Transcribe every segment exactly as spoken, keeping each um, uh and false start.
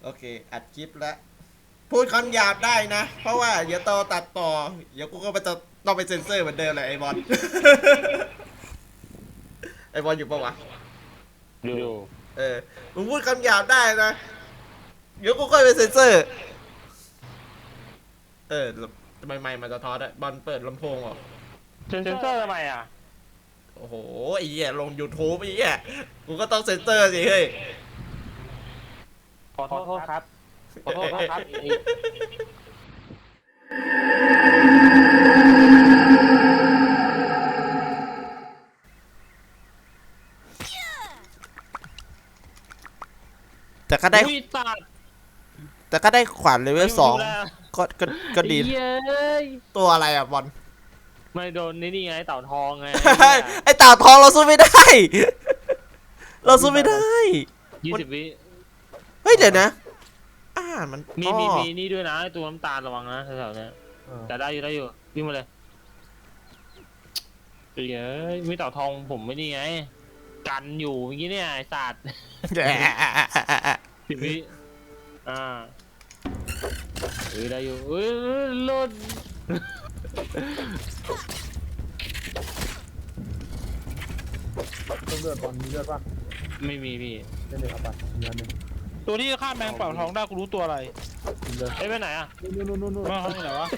โอเคอัดคลิปแล้วพูดคำหยาบได้นะเพราะว่าเดี๋ยวต่อตัดต่อเดี๋ยวกูก็ไปจะต้องไปเซ็นเซอร์เหมือนเดิมเลยไอ้บอล ไอ้บอลอยู่ปะวะอยู่เออมึงพูดคำหยาบได้นะเดี๋ยวกูก็ไปเซ็นเซอร์เออทำไมไมค์มันจะทอดอะบอลเปิดลำโพงเหรอเซ็นเซอร์ทำไมอ่ะโอ้โหไอ้เหี้ยลง YouTube ไอ้เหี้ยกูก็ต้องเซ็นเซอร์สิเฮ้ยขอโทษครับขอโทษครับแต่ก็ได้อุ้ยตัดแต่ก็ได้ขวานเลเวลสองก็ก็ก็ดีเย้ยตัวอะไรอ่ะบอลไม่โดนนี่นี่ไงเต่าทองไงไอ้เต่าทองเราสู้ไม่ได้ เราสู้ไม่ได้ยี่สิบวิเฮ้ยเดี๋ยวนะอ่ามันมีอ๋อมีมีนี่ด้วยนะตัวน้ำตาลระวังนะแถวๆนี้แต่ได้อยู่ได้อยู่วิ่งมาเลยเย้ยมีเต่าทองผมไม่นี่ไงกันอยู่เมื่อกี้เนี่ยไอ้สัตว์ สิบวิอ่าเฮ้ยได้อยู่เฮ้ยหล่นต้องเลือดบอลมีเลือดป่ะไม่มีพี่เล่นเลยครับป่ะมีอันหนึงตัวที่ฆ่าแมงเป่าท้องได้กูรู้ตัวอะไรมีเลือดเอ้ยไปไหนอ่ะนู่นนู่นนู่นนู่นแมงท้องอยู่ไหนวะ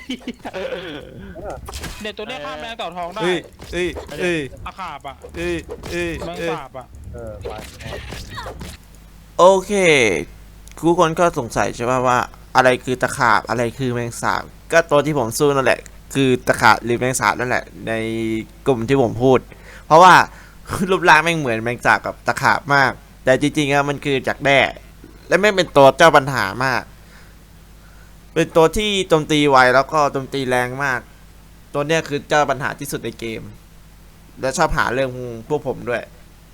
เนี่ยตัวเนี้ยฆ่าแมงเต่าทองได้เอ้ยเอ้ยเอ้ยอาขาบอ่ะเอ้ยเอ้ยแมงเอ้ยสาบอ่ะเออไปโอเคทุกคนก็สงสัยใช่ป่ะว่าอะไรคือตะขาบอะไรคือแมงสาบก็ตัวที่ผมสู้นั่นแหละคือตะขาบหรือแมงสาบนั่นแหละในกลุ่มที่ผมพูด เพราะว่า รูปร่างแม่งเหมือนแมงสาบกับตะขาบมาก แต่จริงๆอะมันคือจากแด้และไม่งเป็นตัวเจ้าปัญหามาก เป็นตัวที่โจมตีไวแล้วก็โจมตีแรงมาก ตัวเนี้ยคือเจ้าปัญหาที่สุดในเกม และชอบหาเรื่องพวกผมด้วย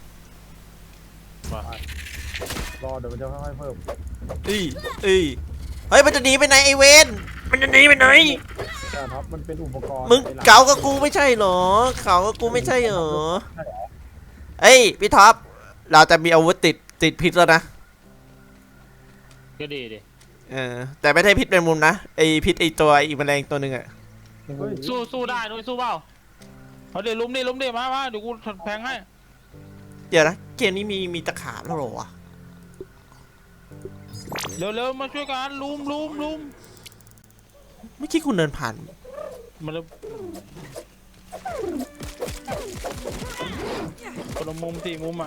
รอเดี๋ยวมันจะค่อยๆเพิ่มอีอีเฮ้ยมันจะหนีไปไหนไอเวนมันจะหนีไปไหนแต่ท็อปมันเป็นอุปกรณ์มึงไอ้หลัเก๋ากับกูไม่ใช่เหรอเขากับกูไม่ใช่เหรอเอ้ยพี่ท็อปเราจะมีอาวุธติดติดพิษแล้วนะก็ดีดิเออแต่ไม่ใช่พิษเป็นมุมนะไอพิษไอตัวไอแมลงตัวหนึ่งอะเฮ้ยสู้สู้ได้นุ้ยสู้เปล่าเอาเดี๋ยวลุมดิลุมดิมามาเดี๋ยวกูแพงให้เดี๋ยวนะเกมนี้มีมีตะขาบแล้วเหรอวะเร็วเร็วมาช่วยกันลุมลุมลุมเมื่อกี้คุณเดินผ่านมาเร็วคนละมุมสี่มุมอ่ะ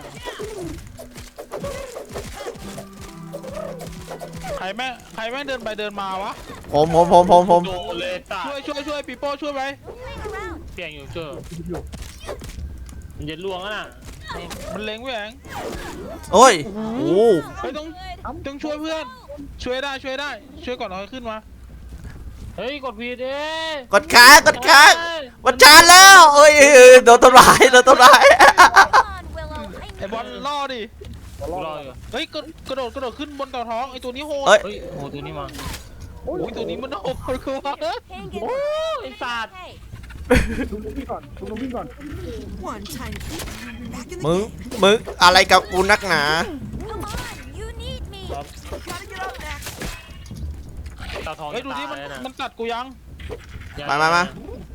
ใครแม่งใครแม่งเดินไปเดินมาวะผมผมผมผมผมโดนเลยตาช่วยช่วยช่วยปีโป้ช่วยไปเปลี่ยนอยู่เจอมันจะล่วงแล้วน่ะมันเล็งแหวงโอ้ยโอ้เฮ้ยต้องต้องช่วยเพื่อน ช่วยได้ช่วยได้ ช่วยก่อนเอาขึ้นมาเฮ้ยกดผิดเอ้กดค้างกดค้างมันชาร์จแล้วเอ้ยเอ้ยเอ้ยโดนทำร้ายโดนทำร้ายไอ้บอลล่อดิรอรรอออยู่เฮ้ยกระกระโดดกระโดดขึ้นบนเต่าท้องไอ้ตัวนี้โหดเอ้ยเฮ้ยโอ้ตัวนี้มาโอ้ยโอ้ยตัวนี้มันโหดกว่าโอ้ไอ้สัตว์ดูลูกพี่ก่อนดูลูกพี่ก่อน One time back in the มึง game. มึงอะไรกับกูนักหนา Come on, you need me. Gotta get up there. ตาทองเฮ้ยดูดิมันจะตายแล้วมันกัดกูยังมามามา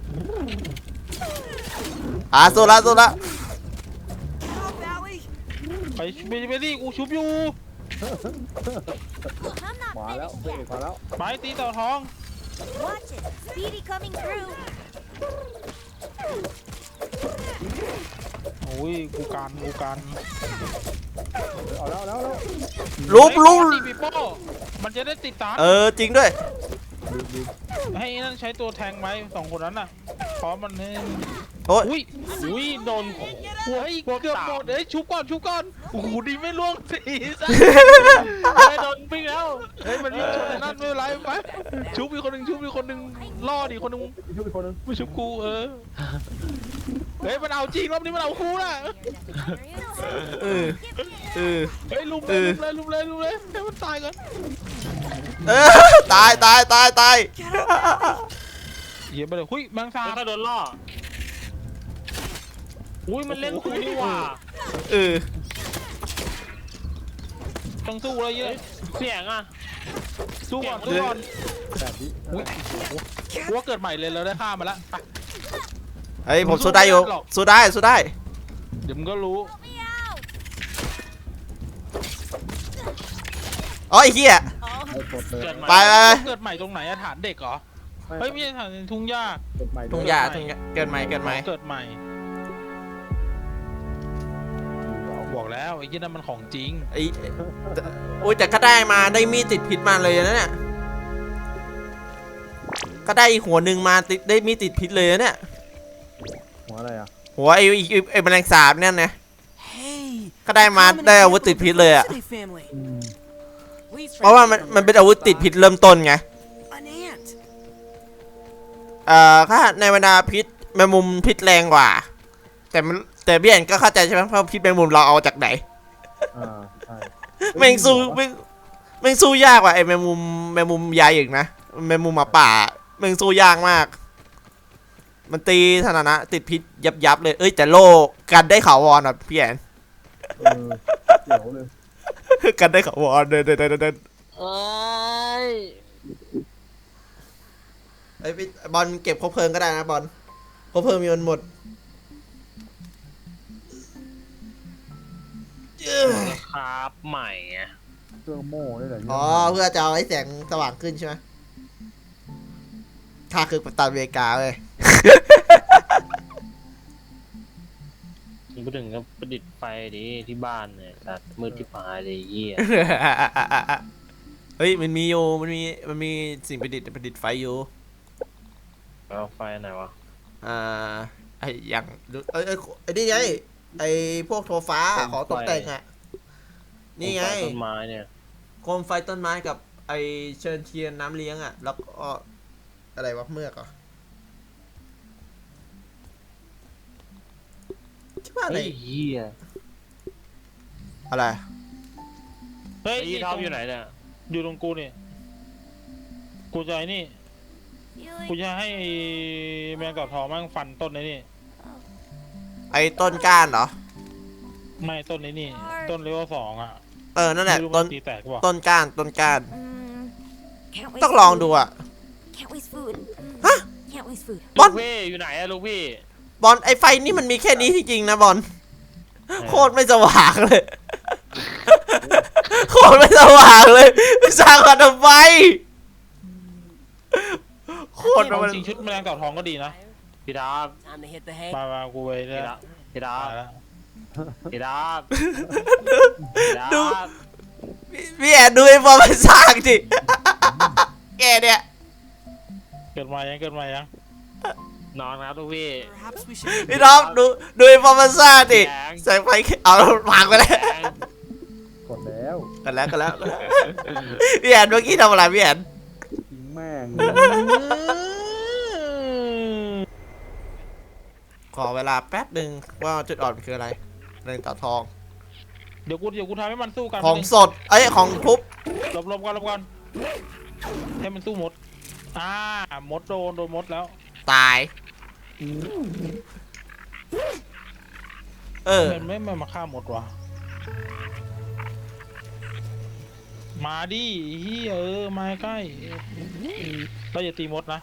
อ่าสู้ละสู้ละ Help, Valley. ไปไปไปดิกูชุบอยู่ I'm not มาแล้ว finished เบรก yet. มาแล้วไปตีเต่าท้อง Watch it. Speedy coming through. โอ้ยกูกันกูกันเอาแล้วเอาแล้วเอาแล้วลุบลุบตีปีโป้มันจะได้ติดตามเออจริงด้วยดูดูให้นั่นใช้ตัวแทงไหมสองคนนั้นน่ะพร้อมมันเนี่ยโอ้ยอุ้ยอุ้ยโดนเฮ้ยเกือบหมดเฮ้ยชุบก่อนชุบก่อนโอ้โหดีไม่ล่วงสีซะไม่โดนปิ้งแล้วเฮ้ยมันวิ่งชนไอ้นั่นไม่เป็นไรไปชุบอีกคนหนึ่งชุบอีกคนหนึ่งล่อดิคนหนึ่งช่วยอีกคนนึงไม่ชุบกูเออเฮ้ยมันเอาจริงรอบนี้มันเอาคู่น่ะเออเออเฮ้ยลุมเลยลุมเลยลุมเลยลุมเลยให้มันตายก่อนเออตายตายตายตายเหี้ยไปเลยหุ้ยแมงสาแล้วบก็โดนล่ออุ้ยมันเล่นกูนี่หว่าเออต้องสู้อะไรเยอะเสียงอ่ะสู้ก่อนสู้ก่อนแบบนี้อุ้ยกูว่าเกิดใหม่เลยเราได้ฆ่ามาแล้วไปเฮ้ยผมสู้ได้อยู่สู้ได้สู้ได้เดี๋ยวมึงก็รู้ Help me out. อ๋อไอ้เหี้ยไอ้กดเลยเกิดใหม่ไปไปไปเกิดใหม่ตรงไหนอะฐานเด็กเหรอเฮ้ยไม่ใช่ฐานทุ่งหญ้ากดใหม่ทุ่งหญ้าทุ่งหญ้าเกิดใหม่เกิดใหม่เกิดใหม่บอกแล้วไอ้ยี่นั่นมันของจริงไอ้โอ้ยแต่ก็ได้มาได้มีดติดพิษมาเลยนะเนี่ยก็ได้อีกหัวหนึ่งมาติดได้มีดติดพิษเลยนะเนี่ยหัวอะไรอ่ะหัวไอ้ไอ้ไอ้ไอ้แมลงสาบเนี่ยนะ Hey, ก็ได้มาได้อาวุธติดพิษเลยอะ City family. อืม Please เพราะว่ามันมันเป็นอาวุธติดพิษเริ่มต้นไง An ant. เอ่อถ้าในบรรดาพิษแมงมุมพิษแรงกว่า แต่มันแต่พี่แอนก็เข้าใจใช่ไหมเพราะพิษแมงมุมเราเอาจากไหนอ่าใช่แมงสู้แมงแมงสู้ยากกว่าไอ้แมงมุมแมงมุมใหญ่อีกนะแมงมุมหมาป่าแมงสู้ยากมาก มันตีธนานะติดพิษยับยับเลยเอ้ยแต่โลกันได้เขาวอนอ่ะพี่แอนเออเดี๋ยวเลยกันได้เขาวอนเดินเดินเดินเดินเอ้ยไอ้พี่บอลเก็บคบเพลิงก็ได้นะบอลคบเพลิงมีมันหมดเอ้ยครับใหม่อะเครื่องโม่ได้เหรออ๋อเพื่อจะเอาให้แสงสว่างขึ้นใช่ไหมข้าคือกัปตันอเมริกาเลยนี่พูดถึงก็ประดิษฐ์ไฟดิที่บ้านเนี่ยแต่มืดที่ปลายเลยเยี่ยเฮ้ยมันมีอยู่มันมีมันมีสิ่งประดิษฐ์ประดิษฐ์ไฟอยู่เอาไฟไหนวะอ่าไออย่างดูเอ้ยเอ้ยไอ้นี่ไงไอพวกโทฟ้าขอตกแต่งอ่ะนี่ไงฟต้นไม้เนี่ยโคมไฟต้นไม้กับไอเชิญเทียนน้ำเลี้ยงอ่ะแล้วก็อะไรวะเมือกเหรอที่ว่าอะไรเฮ้ยเยี่ยอะไรเฮ้ยไอ้ยี่ท็อปอยู่ไหนเนี่ยอยู่ตรงกูนี่กูจะไอ้นี่ Feeling กูจะให้แมงกะพรองมั่งฟันต้นไอ้นี่ไอต้นก้านเหรอไม่ต้นไอ้นี่ ต้นเลเวลสองอ่ะเออนั่นแหละไม่รู้ต้มัน นตีแตกป่ะต้นก้านต้นก้าน Mm, can't waste ต้องลองดู food. อ่ะ Can't waste food. Mm, ฮะ Can't waste food. บอลูลกพี่อยู่ไหนอะลูกพี่บอลไอไฟนี่มันมีแค่นี้จริงๆนะบอลโคตรไม่สว่างเลย โคตรไม่สว่างเลยสร้างมาทำไมโคตรเอามันจริงชุดแมลงเต่าทองก็ดีนะพี่ดาบ Time to hit the hay. มามากูไปพี่แล้ดาว บพี่ดามาบแล้วพี่ดาบพี่ดาดูบพี่แอนดูไอ้บอลมันสร้างดิแกเนี่ยเกิดมายังเกิดมายังนอนครับลูกพี่ Perhaps we should. พี่น้องดูดูไอ้บอลมันสร้างดิใส่ไฟเอาวางไปเลยแดงกดแล้วกันแล้วกันแล้วกันแล้วพี่แอนเมื่อกี้ทำอะไรพี่แอนทิ้งแม่งขอเวลาแป๊บหนึ่งว่าจุดอ่อนมันคืออะไรเรื่องต่อทองเดี๋ยวกูเดี๋ยวกูทำให้มันสู้กันของสดเอ้ยของทุบหลบหลบก่อนหลบก่อนให้มันสู้มดอ่ามดโดนโดนมดแล้วตายเออมันไม่ไม่มาฆ่ามดวะมาดิเฮียเออมาใกล้เราอย่าตีมดนะ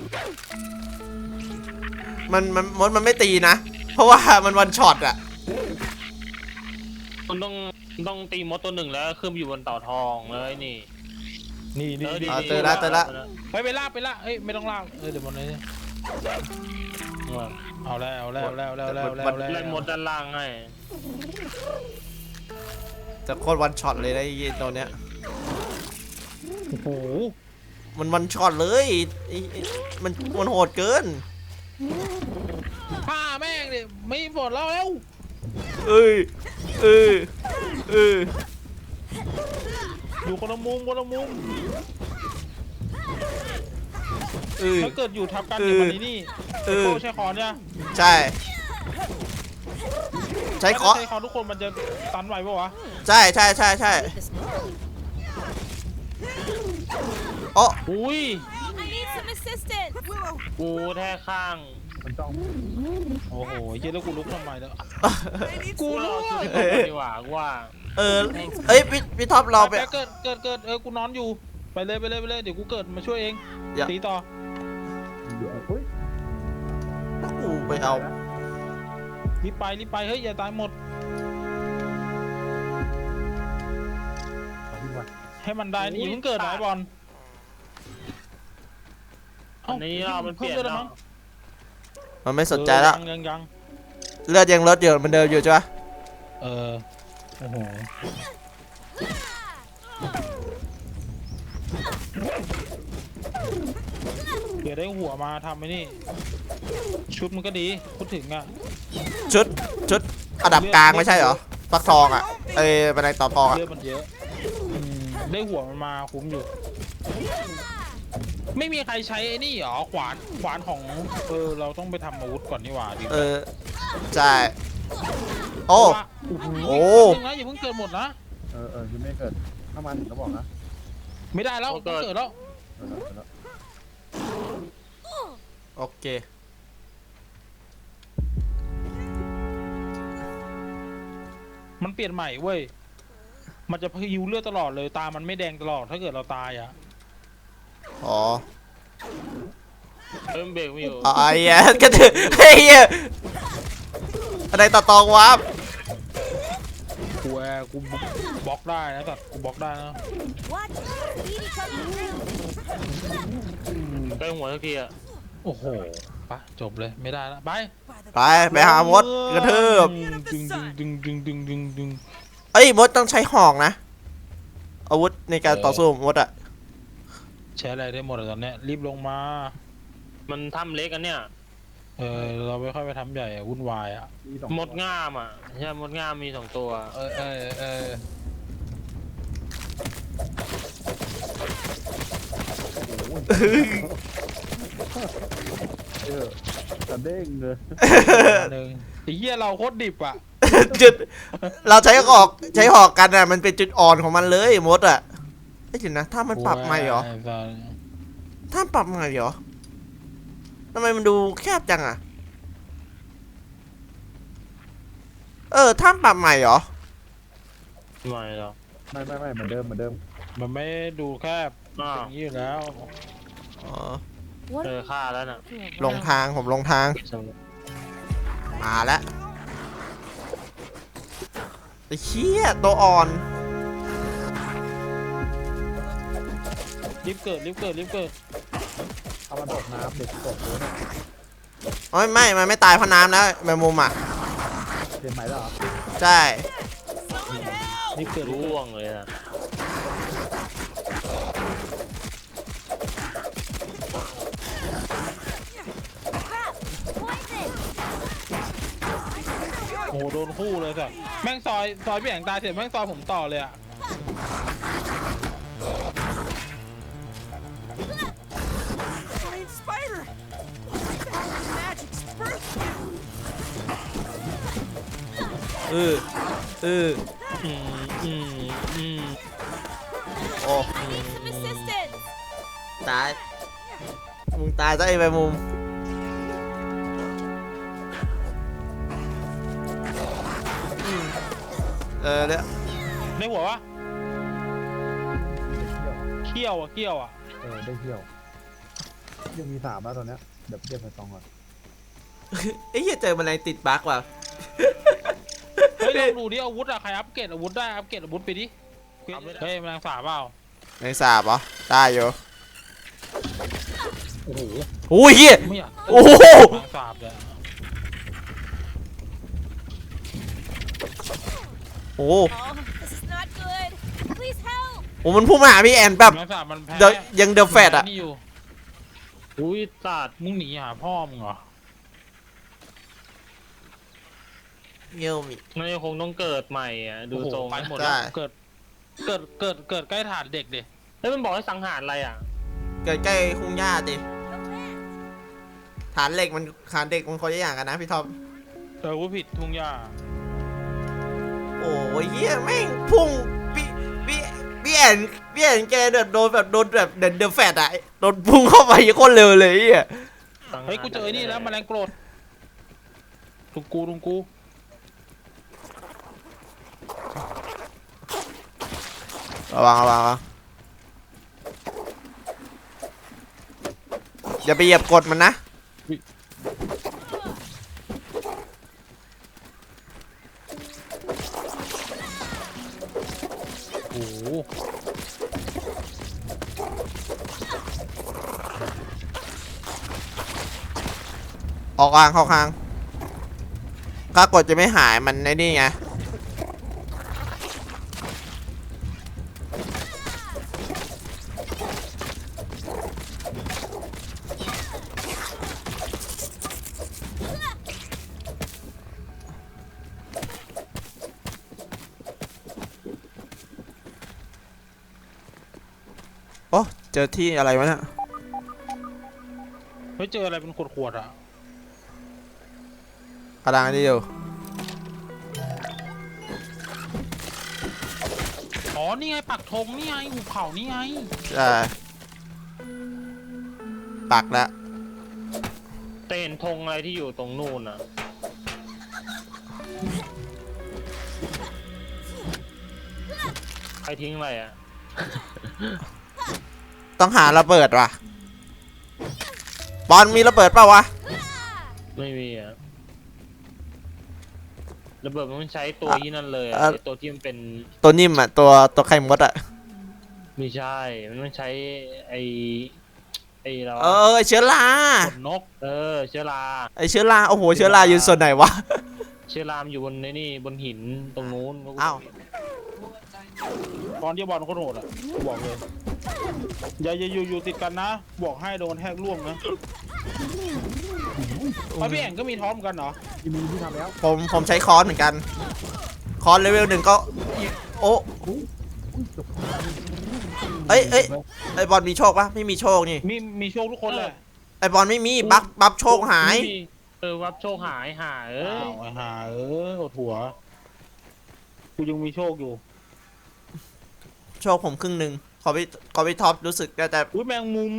มันมันมดมันไม่ตีนะ เพราะว่ามันวันช็อตอะคุณต้องต้องตีมดตัวหนึ่งแล้วขึ้นไปอยู่บนเต่าทองเลยนี่นี่นี่เออดีอ่าดีเจอละเจอละไปไปลากไปลากเอ้ยไม่ต้องลากเออเดี๋ยวมันเลยเอาแล้วเอาแล้วเอาแล้วเอาแล้วเอาแล้วเอาแล้วเล่นมดด้านล่างให้จะโคตรวันช็อตเลยนะไอ้ตัวเนี้ยโอ้โหมันวันช็อตเลยไอ้ไอ้มันมันโหดเกินฆ่าแม่งดิไม่หมดแล้วแล้วเอ้ยเออเอออยู่คนละมุมคนละมุมเออถ้าเกิดอยู่ทับกันเดี๋ยวมันนี่เออโอ้ใช้คอนเนี่ยใช่ใช้เคาะใช้คอนทุกคนมันจะตันไหวปะวะใช่ใช่ใช่ใช่โอ้อุ้ย I need some assistance. กูแท้ข้างมันจ้องโอ้โหเหี้ยแล้วกูลุกทำไมแล้วกูกูรรู้อว่าชุดที่ผมดีกว่ากูว่าเออเอ้ยพี่พี่ท็อปเราไปไปเกิดเกิดเกิดเออกูนอนอยู่ไปเลยไปเลยไปเลยเดี๋ยวกูเกิดมาช่วยเองอย่าตีต่อเดี๋ยวเฮ้ยกูไปเอารีบไปรีบไปเฮ้ยอย่าตายหมดเอาพี่วันให้มันได้นี่อย่าเพิ่งเกิดนะไอ้บอลอันนี้เรามันเปลี่ยนพิ่มลือดแล้มั้วงมันไม่สนใจแล้วเออยังยังยังเลือดยังลดอยู่เหมันเดิมอยู่ใช่ปะเออโอ้โหเดี๋ยวได้หัวมาทำไอ้นี่ชุดมันก็ดีพูดถึงอ่ะชุดชุดอันดับกลางไม่ใช่เหรอฟักทองอ่ะเอ้ยบันไดต่อทองอ่ะเลือดมันเยอะอืมได้หัวมันมาคุ้มอยู่ ไม่มีใครใช้ไอ้นี่หรอขวานขวานของเออเราต้องไปทำอาวุธก่อนนี่หว่าดิเออใช่โอ้ว่าโอ้โอ้โหแป๊บนึงนะอย่าเพิ่งเกิดหมดนะเออเออยังไม่เกิดถ้ามันถึงก็บอกนะไม่ได้แล้วต้องเกิดแล้วเออเออเออโอเคมันเปลี่ยนใหม่เว้ยมันจะพิวเลือดตลอดเลยตามันไม่แดงตลอดถ้าเกิดเราตายอ่ะอ๋อเริ่มเบรกไม่อยู่อ๋อไอ้เหี้ยกระถือไอ้เหี้ยบันไดต่อทองวับกูแอร์กูบล็อกได้นะแต่กูบล็อกได้นะ Watch. Speedy coming through. ใกล้หัวสักทีอะโอ้โหไปจบเลยไม่ได้แล้วไปไปไปหามดกระทืบดึงดึงดึงดึงดึงดึงดึงเอ้ยมดต้องใช้หอกนะอาวุธในการต่อสู้มดอ่ะใช้อะไรได้หมดอะตอนเนี้ยรีบลงมามันทำเล็กกันเนี่ยเออเราไม่ค่อยไปทำใหญ่อะวุ่นวายอะมีสองหมดง่ามอ่ะใช่หมดง่ามมีสองตัวเออเออเออเออแต่เด้งเลยหนึ่งไอ้เหี้ยเราโคตรดิบอะจุดเราใช้หอกใช้หอกกันอ่ะมันเป็นจุดอ่อนของมันเลยมดอ่ะไอ้ยเดี๋ยวนะถ้ามันปรับใหม่เหรอไอ้สัสถ้าปรับใหม่เหรอทำไมมันดูแคบจังอ่ะเออถ้าปรับใหม่เหรอไม่หรอกไม่ไม่ไม่เหมือนเดิมเหมือนเดิมมันไม่ดูแคบอ้าวอย่างนี้อยู่แล้วอ๋อ What เจอฆ่าแล้วน่ะลงทางผมลงทางมาแล้วไอ้เชี่ยตัวอ่อนรีบเกิดรีบเกิดรีบเกิดเอามันตกน้ำเด็กตกเลยเนี่ยโอ้ยไม่มันไม่ตายเพราะน้ำนะแมงมุมอ่ะเปลี่ยนใหม่แล้วเหรอใช่รีบเกิดรีบเกิดร่วงเลยนะ Poison. โอ้โหโดนคู่เลยสัสแม่งซอยซอยพี่แองตายเสร็จแม่งซอยผมต่อเลยอะ Giant spider. Magic's first. เออเอออืมอืมอืมโอ้ I need some assistance. ตายมึงตายซะไอ้แมงมุมอืมเออเนี่ยในหัววะเที่ยวเขี้ยวอะเขี้ยวอะเออได้เที่ยวยังมีสามแล้วตอนเนี้ยเดี๋ยวเก็บไปตองก่อนไอ้เหี้ยเจอแมลงติดบั๊กว่ะเฮ้ยลองดูดิอาวุธอะใครอัปเกรดอาวุธได้อัปเกรดอาวุธไปดิเฮ้ยแมลงสาบเปล่าแมลงสาบเหรอได้อยู่โอ้โหโอ้ยเหี้ยไม่อยากโอ้โหแมลงสาบเลยโอ้โห Oh, this is not good. Please help. โอ้มันพุ่งมาหาพี่แอนแบบแมลงสาบมันแพ้เดอะยังเดอะแฟตอะนี่อยู่อุ้ยสัตว์มึงหนีหาพ่อมึงเหรอเงี้ยวมิมันยังคงต้องเกิดใหม่อ่ะดูโอ้โหทรงไปหมดใช่แล้วเกิดเกิดเกิดเกิดใกล้ฐานเด็กดิเฮ้ยมันบอกให้สังหารอะไรอ่ะเกิดใกล้คุ้งหญ้าดิ No land. ฐานเหล็กมันฐานเด็กมันคนละอย่างกันนะพี่ทอมเออกูผิดทุ่งหญ้าโอ้ยเหี้ยแม่งพุ่งพี่พี่พี่แอนพี่แอนแกแบบโดนแบบโดนแบบเดนเดอะแฟตอะโดนพุ่งเข้าไปโคตรเร็วเลยไอ้เหี้ยสังหารเฮ้ยกูเจอไอ้นี่แล้วแมลงโกรธลุงกูลุงกูระวังระวังระวังอย่าไปเหยียบกดมันนะโอ้โหออกกลางเข้ากลางถ้ากดจะไม่หายมันในนี่ไงโอ้เจอที่อะไรวะเนี่ยเฮ้ยเจออะไรเป็นขวดๆอ่ะกำลังนี่อยู่อ๋อนี่ไงปักธงนี่ไงหุบเขานี่ไงใช่ปักแล้วเต้นธงอะไรที่อยู่ตรงนู่นอ่ะใครทิ้งอะไรอ่ะต้องหาระเบิดว่ะบอลมีระเบิดเปล่าวะไม่มีอ่ะระเบิดมันใช้ตัวที่นั่นเลยอะอ่ะไอ้ตัวที่มันเป็นตัวนิ่มอ่ะตัวตัวไข่มดอ่ะไม่ใช่มันต้องใช้ไอไอเราเออไอ้เชื้อราขนนกเออเชื้อราไอเชื้อราโอ้โหเชื้อราอยู่ส่วนไหนวะเชื้อรามนอยู่บนในนี่บนหินตรงนู้นอ้าวตอนที่บอลโคตรโหดอ่ะบอกเลยอย่าอย่าอยู่อยู่ติดกันนะ บอกให้โดนแทกล่วงนะเอาพี่แอ่งก็มีท้อมกันเหรอที่มีที่ทำแล้วผมผมใช้คอนเหมือนกันคอนเลเวลหนึ่งก็โอ้เอ้ยเอ้ยไอบอลมีโชคปะไม่มีโชคนี่มีมีโชคทุกคนแหละไอบอลไม่มีบัฟบัฟโชคหายไม่มีเออวับโชคหายหายเอ้อ้าวย ไอ้ห่าเอออดหัวกูยังมีโชคอยู่โชคผมครึ่งหนึ่งขอพี่ขอพี่ท็อปรู้สึกได้แต่อุ้ยแมงมุม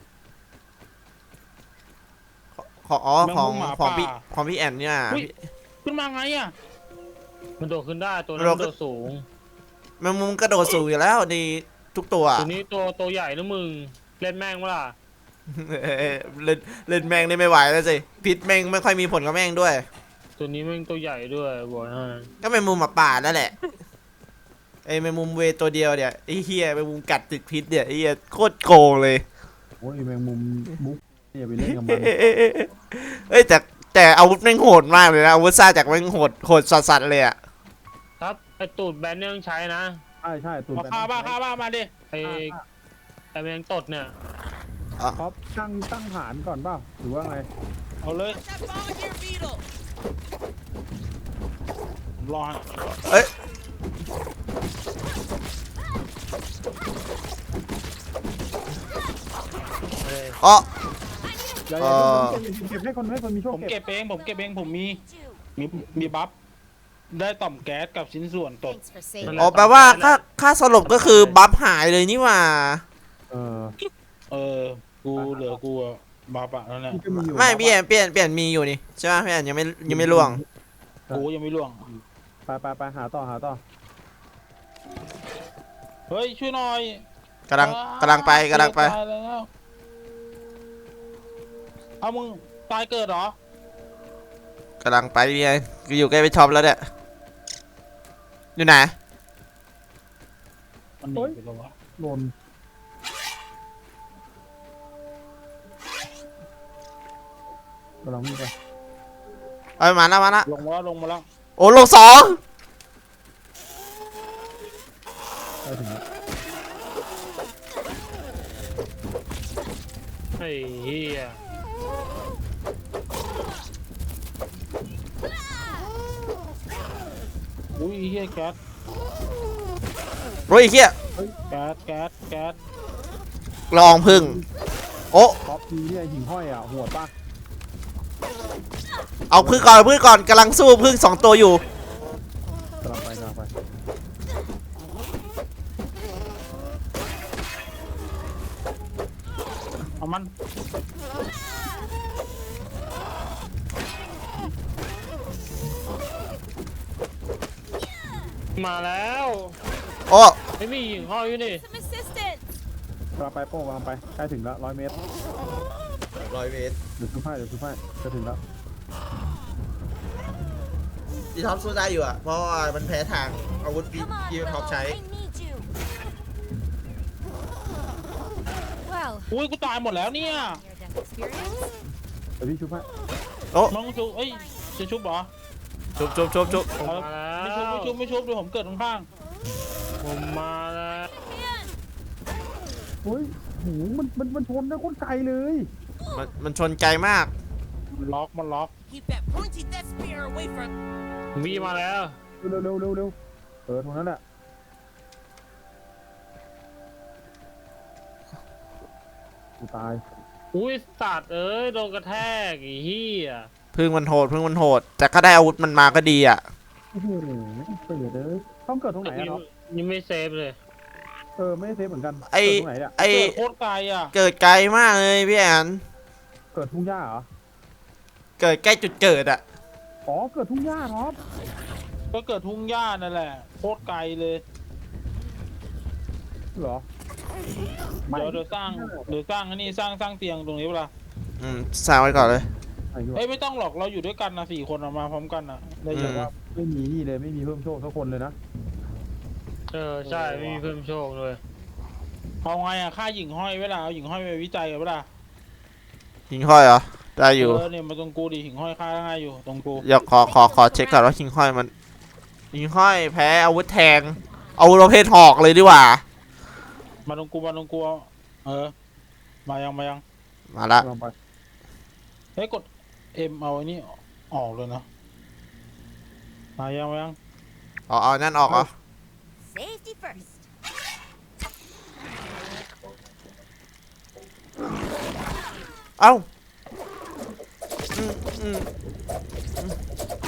ของอ๋อของแมงมุมหมาของพี่ป่าของพี่แอนเนี่ยอุ๊ย ขึ้นมาไงอ่ะมันโดดขึ้นได้ตัวนั้นเราโดดสูงแมงมุมกระโดดสูงอยู่แล้วดีทุกตัวตัวนี้ตัวตัวใหญ่นะมึงเล่นแม่งวะล่ะเอ้ยเล่นเล่นแมงนี่ไม่ไหวแล้วสิพิษแมงไม่ค่อยมีผลกับแมงด้วยตัวนี้แม่งตัวใหญ่ด้วยบอกให้ก็แมงมุมหมาป่านั่นแหละไอ้แมงมุมเวตัวเดียวเนี่ยไอ้เฮียแมงมุมกัดติดพิษเนี่ยไอ้เฮียโคตรโกงเลยโอ้ยแมงมุมมุกอย่าไปเล่นกับมันเอ้ยแต่แต่อาวุธแม่งโหดมากเลยนะอาวุธซ่าจากแม่งโหดโหดสัสๆเลยอะครับไอตูดแบนเนี่ยต้องใช้นะใช่ใช่ตูนมาไปฆ่าบ้าฆ่าบ้ามาดิไอไอแมงตดเนี่ยท็อปตั้งตั้งฐานก่อนเปล่าหรือว่าไงเอาเลย That volunteer beetle. รอเอ้ยเอ้ยอ๋ออย่าเอ่อย่าอเก็บให้คนให้คนมีโชคผมเก็เก็บบเองผมเก็บเองผมมี You. มีมีบัฟได้ต่อมแก๊สกับชิ้นส่วนตด Thanks for saving. อ๋อแปลว่าค่าค่าสลบก็คือบัฟหายเลยนี่หว่าเออเออ กูเหลือกูอะบัฟอะนั่นแหละที่ก็มีอยู่ไม่พี่แอนเปลี่ยนเปลี่ยนมีอยู่นี่ใช่ไหมพี่แอนยังไม่ยังไม่ล่วงกูยังไม่ล่วงไปไปไปหาต่อหาต่อเฮ้ยช่วยหน่อยกำลังกำลังไปกำลังไปตายแล้วเอามึงตายเกิดเหรอกำลังไปพี่แอนกูอยู่ใกล้ไปช็อปแล้วเนี่ยอยู่ไหนมันหนีไปแล้ววะหล่นกำลังวิ่งไปเอ้ยมาแล้วมาแล้วลงมาแล้วลงมาแล้วโอ้ลงสองไปถึงแล้วไอ้เหี้ยอุ้ยเฮียแก๊สโอ้ยไอ้เฮียแก๊สแก๊สแก๊สลองพึ่งโอ้ท็อปทีเนี่ยหิ่งห้อยอ่ะโหดป่ะเอาพึ่งก่อนเอาพึ่งก่อนกำลังสู้พึ่งสองตัวอยู่กำลังไปกำลังไปเอามันมาแล้วโอ้โอ้ไม่มีหิ่งห้อยอยู่นี่ Some assistance. กำลังไปโป้งกำลังไปใกล้ถึงแล้วร้อยเมตรร้อยเมตรเดี๋ยวชุบให้เดี๋ยวชุบให้จะถึงแล้วพี่ท็อปสู้ได้อยู่อ่ะเพราะว่ามันแพ้ทางอาวุธที่ Come on, พี่ท็อป Willow. ใช้ I need you. Well, อุ้ยกูตายหมดแล้วเนี่ย near death experience. เดี๋ยวพี่ชุบให้โอ้มึงชุบเอ้ยจะชุบเหรอชุบชุบชุบชุบผมมาแล้ไม่ชุบวไม่ชุบไม่ชุบเดี๋ยวผมเกิดข้างผมมาแล้ว Man, เฮ้ยโหมันมันมันชนนะโคตรไกลเลยมันมันชนไกลมากๆมันล็อกมันล็อก Keep that pointy death spear away from. มีมาแล้วเร็วเร็วเร็วเร็วเออตรงนั้นแหละกูตายอุ้ยสัตว์เอ้ยโดนกระแทกไอ้เหี้ยพึ่งมันโหดพึ่งมันโหด แต่ก็ได้อาวุธมันมาก็ดีอ่ะโอ้โหเปิดเลยต้องเกิดตรงไหนอะเนาะยังไม่เซฟเลยเออไม่ได้เซฟเหมือนกันไอ้เกิดตรงไหนเนี่ยไอเกิดโคตรไกลอ่ะเกิดไกลมากเลยพี่แอนเกิดทุ่งหญ้าเหรอเกิดใกล้จุดเกิดอ่ะอ๋อเกิดทุ่งหญ้าท็อปก็เกิดทุ่งหญ้านั่นแหละโคตรไกลเลยเหรอเดี๋ยวเดี๋ยวสร้างเดี๋ยวสร้างอันนี้สร้างสร้างเตียงตรงนี้เปล่าอืมสร้างไว้ก่อนเลยไอ้เหี้ยเอ้ยไม่ต้องหรอกเราอยู่ด้วยกันนะสี่คนอะมาพร้อมกันนะได้อืเยมอะว่าไม่มีนี่เลยไม่มีเพิ่มโชคสักคนเลยนะเออใช่ไม่มีเพิ่มโชคเลยเอาไงอะค่าหญิงห้อยเวลาเอาหญิงห้อยไปวิจัยกันเวลาหิงห้อยเหรอ ได้อยู่เออเนี่ยมาตรงกูดิหญิงห้อยค่าง่ายอยู่ตรงกูเดี๋ยวขอขอขอเช็คก่อนว่าหิงห้อยมันหิงห้อยแพ้อาวุธแทงอาวุธประเภทหอกเลยดีกว่ามาตรงกูมาตรงกูเอาเออมายังมายังมาละลองไปเฮ้ยกดเอ็มเอาไอ้นี่ออกเลยนะมายังมายังเอาเอานั่นออกเหรอ safety first. เอ้าอืมอืมอืม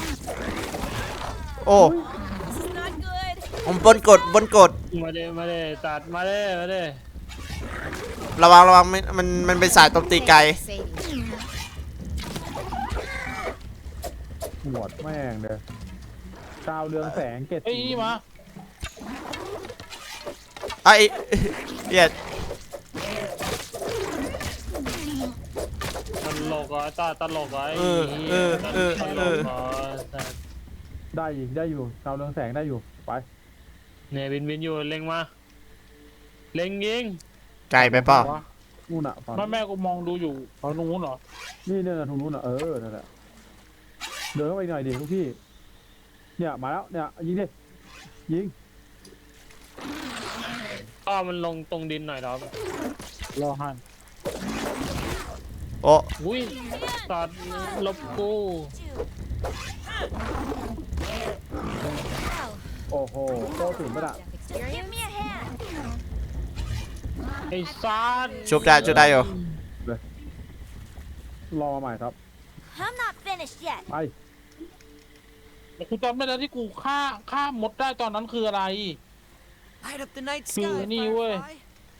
โอ้ This is not good. ผมบนกดบนกดมาเด้มาเด้สัตว์มาเด้มาเด้ระวังระวังมันมันมันเป็นสายตบตีไกลหวดแม่งเลยดาวเรืองแสงเกตเฮ้ยมาไอ้เหี้ยตลกเหรอตาตลกเหรอไอ้เออเหี้เอย อเออตลเอก อเหรอสัตว์ได้อยู่ได้อยู่ดาวเรืองแสงได้อยู่ไปเนี่ยบินบินอยู่เล็งมาเล็งยิงไกลไปเปล่านู่นอะฝั่งแม่แม่กูมองดูอยู่ฝั่งนู้นเหรอนี่เนี่ยตรงนู้นอะเออนั่นแหละเดินเข้าไปอีกหน่อยดิลูกพี่เนี่ยมาแล้วเนี่ยยิงดิยิงก็มันลงตรงดินหน่อยครับรอหันโอ้อุ้ยสัตว์ลบกู Well, โอ้โหโตถึงปะน่ะ death experience. Give me a hand. ไอ้สัตว์ชุบได้ชุบได้อยู่รอมาใหม่ครับ I'm not finished yet. ไปแต่กูจำไม่ได้ที่กูฆ่าฆ่ามดได้ตอนนั้นคืออะไร Light up the night Dude, sky, anyway. Firefly.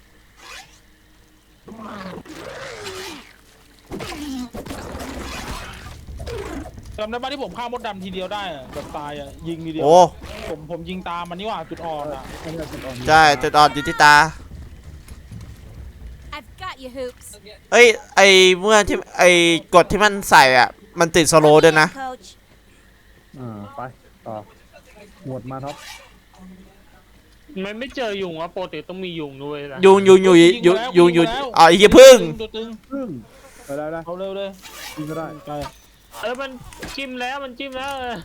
จำได้ป่ะที่ผมฆ่ามดดำทีเดียวได้อะแบบตายอะยิงทีเดียวโอ้ผมผมยิงตามมันนี่หว่าจุดอ่อนอะไอ้เนี่ยจุดอ่อนใช่จุดอ่อนอยู่ที่ตา I've got you, Hoops. เอ้ยไอเมื่อที่ไอกดที่มันใส่อ่ะ มันติดสโลว์ด้วยนะ Coach. อ่าไปต่อหมดมาท็อปมันไม่เจอยุงวะปกติต้องมียุงด้วยนะยุงยุงอยู่ยุงยุงอยู่อ๋อไอ้เหี้ยพึ่งตึงตัวตึงพึ่งไปได้ได้เอาเร็วเลยยิงก็ได้ใช่เออมันจิ้มแล้วมันจิ้มแล้วเออ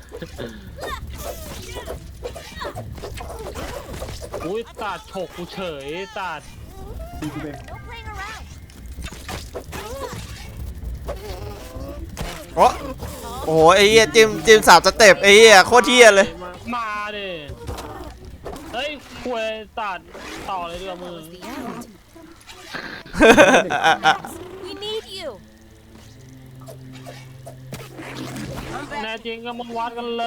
อุ้ยตัดฉกกูเฉยตัดตีกูเอง No playing around. โอ้โอ้โหไอ้เหี้ยจิมจิมสามสเต็ปไอ้เหี้ยโคตรเหี้ยเลยมามาดิเฮ้ยคุยตัดต่อเลยดีกว่ามือ The end. We need you. แน่จริงก็มาวัดกันเลย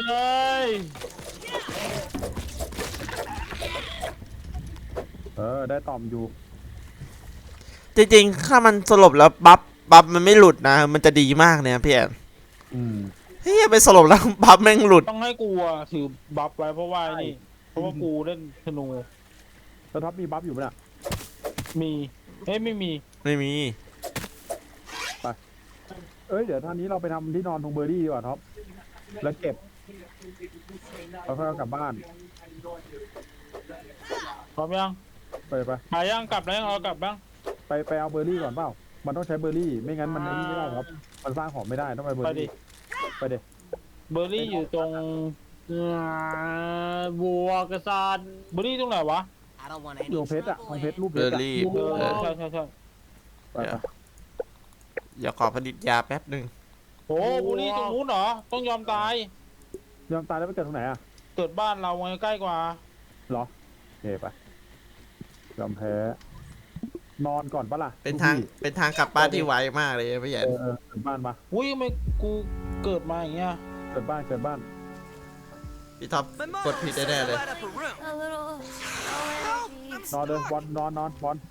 เออได้ต่อมอยู่จริงๆถ้ามันสลบแล้วบัฟบัฟมันไม่หลุดนะ มันจะดีมากเนี่ยพี่แอนอืมเฮ้ยไปสลบแล้วบัฟแม่งหลุดต้องให้กูอะถือบัฟไว้เพราะว่าไอ้นี่เพราะว่ากูเล่นธนูแล้วท็อปมีบัฟอยู่ปะเนี่ยมีเฮ้ยไม่มีไม่มีเอ้ยเดี๋ยวท่านนี้เราไปทำที่นอนตรงเบอร์ดี้ดีกว่าท็อปแล้วเก็บแล้วค่อยเอากลับบ้านพร้อมยังไปไปหายังกลับแล้วยังเอากลับบ้างไปไปเอาเบอร์รี่ก่อนเปล่ามันต้องใช้เบอร์รี่ไม่งั้นมันไอ้นี่ไม่ได้ครับมันสร้างของไม่ได้ต้องไปเบอไปร์ดิรี่ไปเด็เบอร์รี่อยู่ตรงอ่าบัวกระสานเบอร์รี่ตรงไหนวะ I don't want อยู่ any เพชรอะข trouble องเพชร in. รูปเพเบอชรร์อะรี่เออเออใช่ใช่ใช่ไปไปเดี๋ยวขอผลิตยาแป๊บหนึ่งโอ้เบอร์รี่ตรงนู้นเหรอต้องยอมตายยอมตายแล้วไปเกิดตรงไหนอะเกิดบ้านเราไงใกล้กว่าเหรอโอเคไปยอมแพ้นอนก่อนปะล่ะเป็นทางเป็นทางกลับบ้านที่ไวมากเลยพี่ใหญ่เออเออเกิดบ้านปะอุ้ยทำไมกูเกิดมาอย่างเงี้ยเกิดบ้านเกิดบ้านพี่ท็อปกดผิดแน่ๆเลย Light up a room. A little allergies. นอนเลยบอลนอนนอนบอล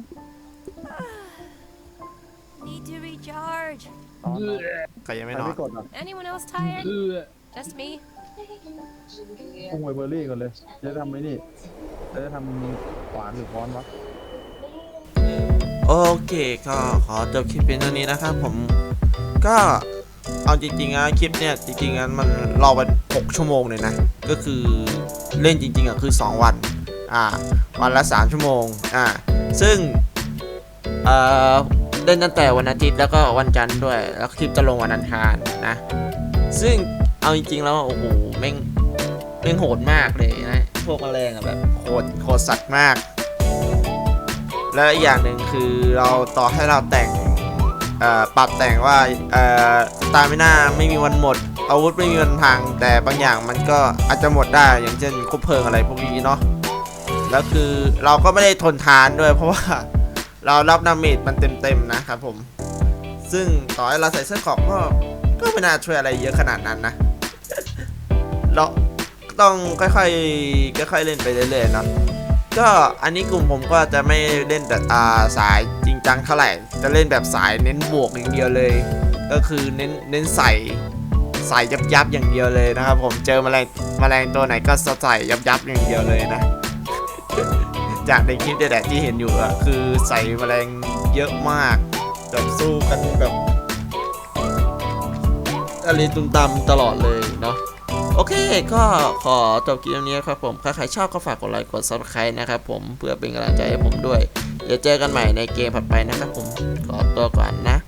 Need to recharge. นอนนอนใครยังใครไม่นอนไม่กดอ่ะ Anyone else tired? เออ Just me. พุ่งไปเบอร์รี่ก่อนเลยจะทำไอ้นี่จะทำขวานหรือค้อนวะโอเคก็ขอจบคลิปเป็นเท่านี้นะครับผมก็เอาจริงๆนะคลิปเนี่ยจริงๆนะมันรอไปหกชั่วโมงเลยนะก็คือเล่นจริงๆอ่ะคือสองวันอ่าวันละสามชั่วโมงอ่าซึ่งเอ่อเล่นตั้งแต่วันอาทิตย์แล้วก็วันจันทร์ด้วยแล้วคลิปจะลงวันอังคารนะซึ่งเอาจริงๆแล้วโอ้โหแม่งแม่งโหดมากเลยนะพวกแมลงอะแบบโหดโหดสัตว์มาก และอีกอย่างหนึ่งคือเราต่อให้เราแต่งเอ่อปรับแต่งว่าเอ่อสตาร์มิน่าไม่มีวันหมดอาวุธไม่มีวันพังแต่บางอย่างมันก็อาจจะหมดได้อย่างเช่นคบเพลิงอะไรพวกนี้เนาะแล้วคือเราก็ไม่ได้ทนทานด้วยเพราะว่าเรารับดาเมจมันเต็มๆนะครับผมซึ่งต่อให้เราใส่เสื้อเกราะก็ก็ไม่น่าช่วยอะไรเยอะขนาดนั้นนะ เราต้องค่อยๆค่อยๆเล่นไปเรื่อยๆเนาะ ก็อันนี้กลุ่มผมก็จะไม่เล่นแบบอ่าสายจริงจังเท่าไหร่จะเล่นแบบสายเน้นบวกอย่างเดียวเลย ก็คือเน้นเน้นใส่ใส่ยับยับอย่างเดียวเลยนะครับผมเจอแมลงแมลงตัวไหนก็ใส่ยับยับอย่างเดียวเลยนะ จากในคลิปแต่ที่เห็นอยู่อะคือใส่แมลงเยอะมากแบบสู้กันแบบอะไรตุ่มตำตลอดเลยเนาะ โอเคก็ขอจบคลิปนี้ครับผมถ้าใครชอบก็ฝากกดไลค์กด ซับสไครบ์ นะครับผมเพื่อเป็นกำลังใจให้ผมด้วยเดี๋ยวเจอกันใหม่ในเกมถัดไปนะครับผมขอตัวก่อนนะ